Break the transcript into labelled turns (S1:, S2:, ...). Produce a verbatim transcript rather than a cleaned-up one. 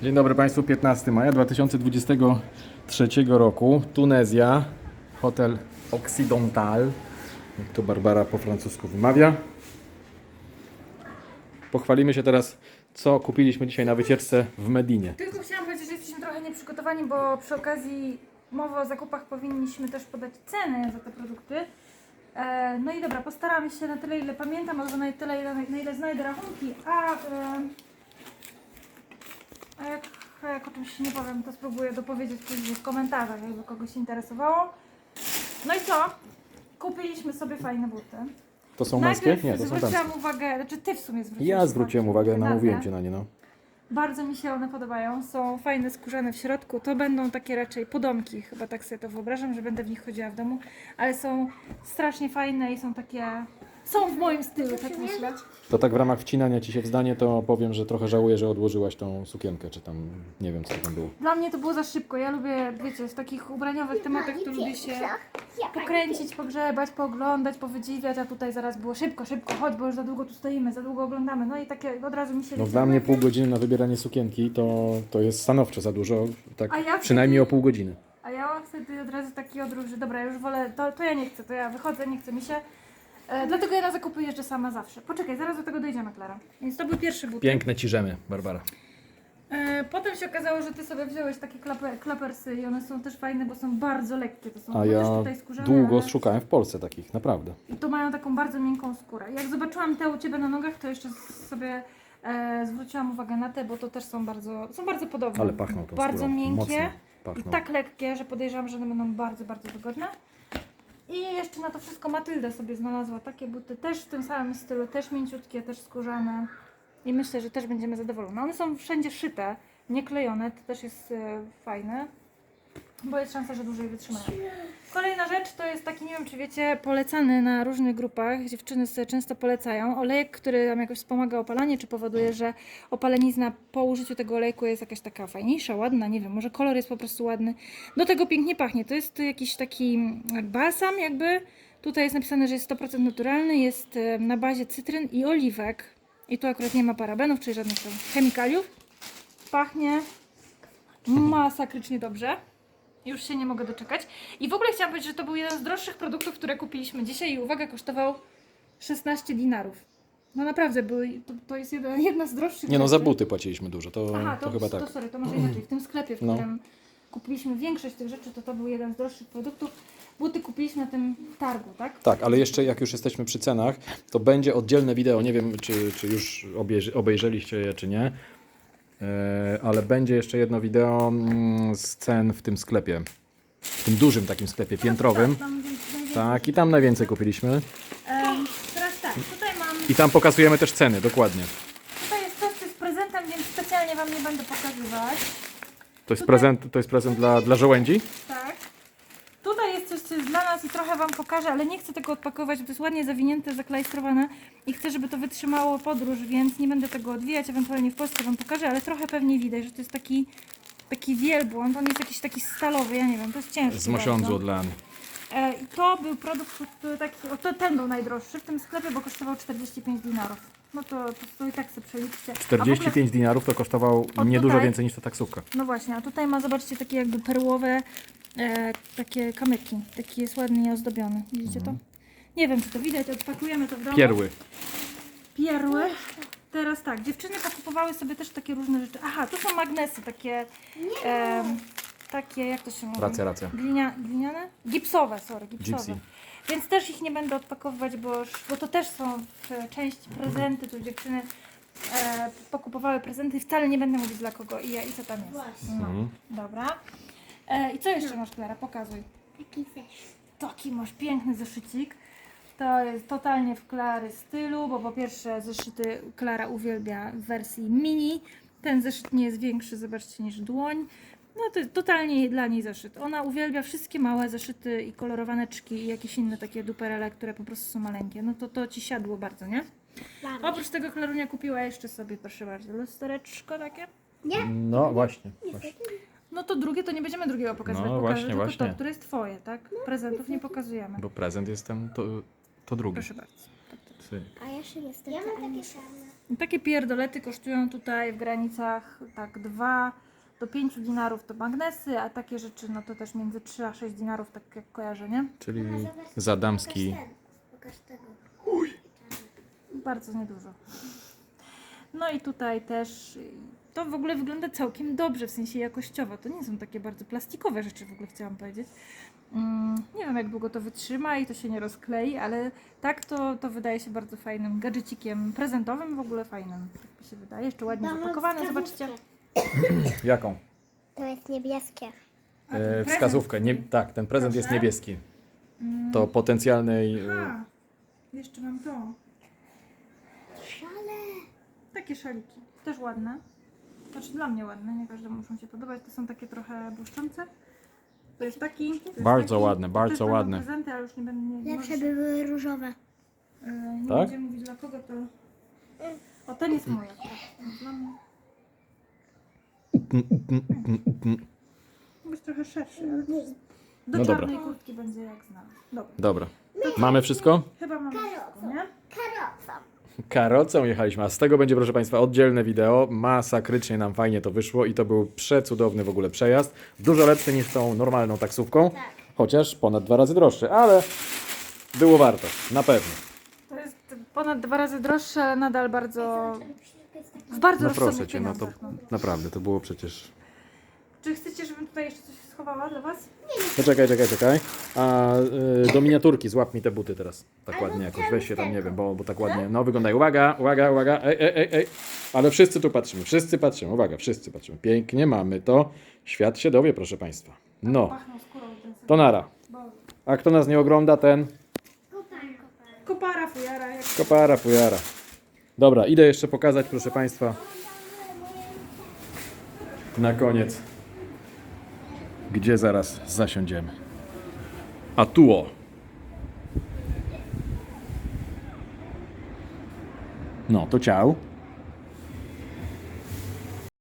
S1: Dzień dobry Państwu, piętnastego maja dwa tysiące dwudziestego trzeciego roku, Tunezja, hotel Occidental, jak to Barbara po francusku wymawia. Pochwalimy się teraz, co kupiliśmy dzisiaj na wycieczce w Medinie.
S2: Tylko chciałam powiedzieć, że jesteśmy trochę nieprzygotowani, bo przy okazji mowy o zakupach powinniśmy też podać ceny za te produkty. E, no i dobra, postaramy się na tyle, ile pamiętam, albo na tyle, ile, na ile znajdę rachunki, a, e, a jak, a jak o czymś nie powiem, to spróbuję dopowiedzieć później w komentarzach, jakby kogoś interesowało. No i co? Kupiliśmy sobie fajne buty.
S1: To są męskie?
S2: Najpierw
S1: Nie, to są
S2: zwróciłam
S1: damskie.
S2: uwagę, znaczy ty w sumie zwróciłeś
S1: Ja zwróciłem uwagę,
S2: na
S1: namówiłem
S2: te.
S1: Cię na nie, no.
S2: Bardzo mi się one podobają, są fajne, skórzane w środku, to będą takie raczej podomki, chyba tak sobie to wyobrażam, że będę w nich chodziła w domu, ale są strasznie fajne i są takie, są w moim stylu, tak myślę.
S1: To tak w ramach wcinania Ci się w zdanie, to powiem, że trochę żałuję, że odłożyłaś tą sukienkę, czy tam, nie wiem co tam było.
S2: Dla mnie to było za szybko, ja lubię, wiecie, w takich ubraniowych tematach to lubię się pokręcić, pogrzebać, pooglądać, powydziwiać, a tutaj zaraz było szybko, szybko, chodź, bo już za długo tu stoimy, za długo oglądamy, no i takie od razu mi się...
S1: No
S2: wiecie,
S1: dla mnie
S2: takie-
S1: pół godziny na wybieranie sukienki to, to jest stanowczo za dużo, tak
S2: A ja
S1: przynajmniej
S2: wtedy-
S1: o pół godziny.
S2: A ja mam wtedy od razu taki odruch, że dobra, już wolę, to, to ja nie chcę, to ja wychodzę, nie chce mi się. E, dlatego ja na zakupy jeżdżę sama zawsze. Poczekaj, zaraz do tego dojdziemy, Klara. Więc to był pierwszy but.
S1: Piękne ci rzemy, Barbara.
S2: E, potem się okazało, że ty sobie wziąłeś takie klaper, klapersy i one są też fajne, bo są bardzo lekkie. To są
S1: A
S2: no
S1: ja
S2: też tutaj skórzane,
S1: długo
S2: ale...
S1: szukałem w Polsce takich, naprawdę.
S2: I to mają taką bardzo miękką skórę. Jak zobaczyłam te u Ciebie na nogach, to jeszcze sobie e, zwróciłam uwagę na te, bo to też są bardzo, są bardzo podobne.
S1: Ale pachną tą
S2: Bardzo
S1: skórą,
S2: miękkie
S1: mocno
S2: i
S1: pachną.
S2: tak lekkie, że podejrzewam, że one będą bardzo, bardzo wygodne. I jeszcze na to wszystko Matylda sobie znalazła takie buty, też w tym samym stylu, też mięciutkie, też skórzane. I myślę, że też będziemy zadowolone. One są wszędzie szyte, nie klejone, to też jest e, fajne, bo jest szansa, że dłużej wytrzymają. Kolejna rzecz to jest taki, nie wiem czy wiecie, polecany na różnych grupach, dziewczyny sobie często polecają, olejek, który tam jakoś wspomaga opalanie, czy powoduje, że opalenizna po użyciu tego olejku jest jakaś taka fajniejsza, ładna, nie wiem, może kolor jest po prostu ładny. Do tego pięknie pachnie, to jest jakiś taki balsam jakby, tutaj jest napisane, że jest sto procent naturalny, jest e, na bazie cytryn i oliwek i tu akurat nie ma parabenów, czyli żadnych tam chemikaliów. Pachnie masakrycznie dobrze. Już się nie mogę doczekać. I w ogóle chciałam powiedzieć, że to był jeden z droższych produktów, które kupiliśmy dzisiaj i uwaga, kosztował szesnaście dinarów. No naprawdę, były, to, to jest jedna, jedna z droższych
S1: Nie no, za
S2: rzeczy.
S1: buty płaciliśmy dużo, to,
S2: Aha,
S1: to,
S2: to,
S1: chyba
S2: to,
S1: tak.
S2: sorry, to może inaczej. W tym sklepie, w
S1: No.
S2: którym kupiliśmy większość tych rzeczy, to to był jeden z droższych produktów. Buty kupiliśmy na tym targu, tak?
S1: Tak, ale jeszcze jak już jesteśmy przy cenach, to będzie oddzielne wideo, nie wiem czy, czy już obejrzy, obejrzeliście je czy nie, e, ale będzie jeszcze jedno wideo mm, z cen w tym sklepie, w tym dużym takim sklepie piętrowym.
S2: Tak, tam więc- najwięcej.
S1: Tak, i tam najwięcej kupiliśmy.
S2: Em, teraz tak, tutaj mam,
S1: I tam pokazujemy też ceny, dokładnie.
S2: tutaj jest coś, co jest prezentem, więc specjalnie Wam nie będę pokazywać.
S1: To jest
S2: Tutaj-
S1: prezent, to jest prezent dla, dla żołędzi?
S2: Tak. Tutaj jest coś, co jest dla nas i trochę Wam pokażę, ale nie chcę tego odpakować, bo to jest ładnie zawinięte, zaklajstrowane i chcę, żeby to wytrzymało podróż, więc nie będę tego odwijać, ewentualnie w Polsce Wam pokażę, ale trochę pewnie widać, że to jest taki, taki wielbłąd, on jest jakiś taki stalowy, ja nie wiem, to jest ciężki
S1: Z mosiądzu
S2: bardzo.
S1: od Leany.
S2: E, I to był produkt, który taki, o, to ten był najdroższy w tym sklepie, bo kosztował czterdzieści pięć dinarów. No to, to, to i tak sobie przeliczcie. A w
S1: czterdzieści pięć dinarów to kosztował
S2: O,
S1: nie dużo
S2: tutaj-
S1: więcej niż ta taksówka.
S2: No właśnie, a tutaj ma, zobaczcie, takie jakby perłowe e, takie kamyki. Taki jest ładnie ozdobiony. Widzicie to? Nie wiem, czy to widać, odpakujemy to w domu.
S1: Pierły.
S2: Pierły. Teraz tak, dziewczyny pokupowały sobie też takie różne rzeczy. Aha, tu są magnesy takie, em, takie, jak to się mówi?
S1: Racja, racja.
S2: Glinia, gliniane? Gipsowe, sorry, gipsowe.
S1: Gypsy.
S2: Więc też ich nie będę odpakowywać, bo, już- bo to też są w części prezenty, tu dziewczyny e, pokupowały prezenty i wcale nie będę mówić dla kogo i, i co tam jest. No,
S1: Mhm.
S2: dobra. E, I co jeszcze masz, Klara? Pokazuj.
S3: Taki też.
S2: Taki masz piękny zeszycik. To jest totalnie w Klary stylu, bo po pierwsze zeszyty Klara uwielbia w wersji mini. Ten zeszyt nie jest większy, zobaczcie, niż dłoń. No to jest totalnie dla niej zeszyt. Ona uwielbia wszystkie małe zeszyty i kolorowaneczki i jakieś inne takie duperele, które po prostu są maleńkie. No to to Ci siadło bardzo, nie?
S3: Mamy.
S2: Oprócz tego Klarunia kupiła jeszcze sobie, proszę bardzo, lustereczko takie.
S1: No właśnie, właśnie.
S2: No to drugie to nie będziemy drugiego pokazywać,
S1: No
S2: pokażę
S1: właśnie,
S2: tylko
S1: właśnie.
S2: to, które jest Twoje, tak? Prezentów nie pokazujemy.
S1: Bo prezent jest ten, to, to drugi.
S2: Proszę bardzo. Tak, tak,
S1: Syk.
S3: A ja się niestety... Ja mam takie same.
S2: Takie pierdolety kosztują tutaj w granicach tak dwa do pięciu dinarów to magnesy, a takie rzeczy no to też między trzy a sześć dinarów, tak jak kojarzę, nie?
S1: Czyli za damski.
S3: Pokaż ten. Pokaż tego.
S2: Bardzo niedużo. No i tutaj też to w ogóle wygląda całkiem dobrze, w sensie jakościowo. To nie są takie bardzo plastikowe rzeczy, w ogóle chciałam powiedzieć. Mm, nie wiem jak długo to wytrzyma i to się nie rozklei, ale tak to, to wydaje się bardzo fajnym gadżecikiem prezentowym, w ogóle fajnym, tak mi się wydaje. Jeszcze ładnie
S3: Mam
S2: zapakowane, zobaczcie.
S1: Jaką?
S3: To jest niebieskie.
S1: E, wskazówkę. Nie, tak, ten prezent jest
S2: Proszę.
S1: niebieski. To potencjalnej... e,
S2: A, jeszcze mam to.
S3: Szale.
S2: Takie szaliki, też ładne. Znaczy dla mnie ładne, nie każdemu muszą się podobać. To są takie trochę błyszczące. To jest taki. To jest
S1: Bardzo
S2: taki.
S1: ładne,
S2: To
S1: bardzo
S2: też będą
S1: ładne.
S2: prezenty, ale już nie będę. Nie, nie,
S3: Lepsze
S2: możesz-
S3: by były różowe.
S2: e, nie
S1: Tak?
S2: będziemy mówić dla kogo to. O, ten jest mój. akurat. Dla mnie. Jest trochę szerszy, ale do
S1: No dobra.
S2: czarnej kurtki będzie jak znam. Dobra,
S1: Dobra. Mamy wszystko?
S2: chyba mamy wszystko, nie?
S3: Karocą.
S1: Karocą jechaliśmy, a z tego będzie, proszę Państwa, oddzielne wideo. Masakrycznie nam fajnie to wyszło i to był przecudowny w ogóle przejazd. Dużo lepszy niż tą normalną taksówką, chociaż ponad dwa razy droższy, ale było warto, na pewno.
S2: To jest ponad dwa razy droższe, ale nadal bardzo. W bardzo
S1: No
S2: rozsądnych
S1: proszę Cię, no to
S2: pieniądzach, no.
S1: naprawdę, to było przecież...
S2: Czy chcecie, żebym tutaj jeszcze coś schowała dla Was?
S1: Poczekaj, czekaj, czekaj. A y, do miniaturki złap mi te buty teraz. Tak ładnie jakoś, weź się tam, nie wiem, bo, bo tak ładnie, no wyglądają. Uwaga, uwaga, uwaga, ej, ej, ej, ej. Ale wszyscy tu patrzymy, wszyscy patrzymy, uwaga, wszyscy patrzymy. Pięknie mamy to. Świat się dowie, proszę Państwa. No,
S2: Pachną skórą ten sobie.
S1: to nara.
S2: Bo-
S1: A kto nas nie ogląda, ten
S2: Kopara, fujara, jak
S1: kopara, fujara. Dobra, idę jeszcze pokazać, proszę Państwa, na koniec, gdzie zaraz zasiądziemy. A tuo. No, to ciao.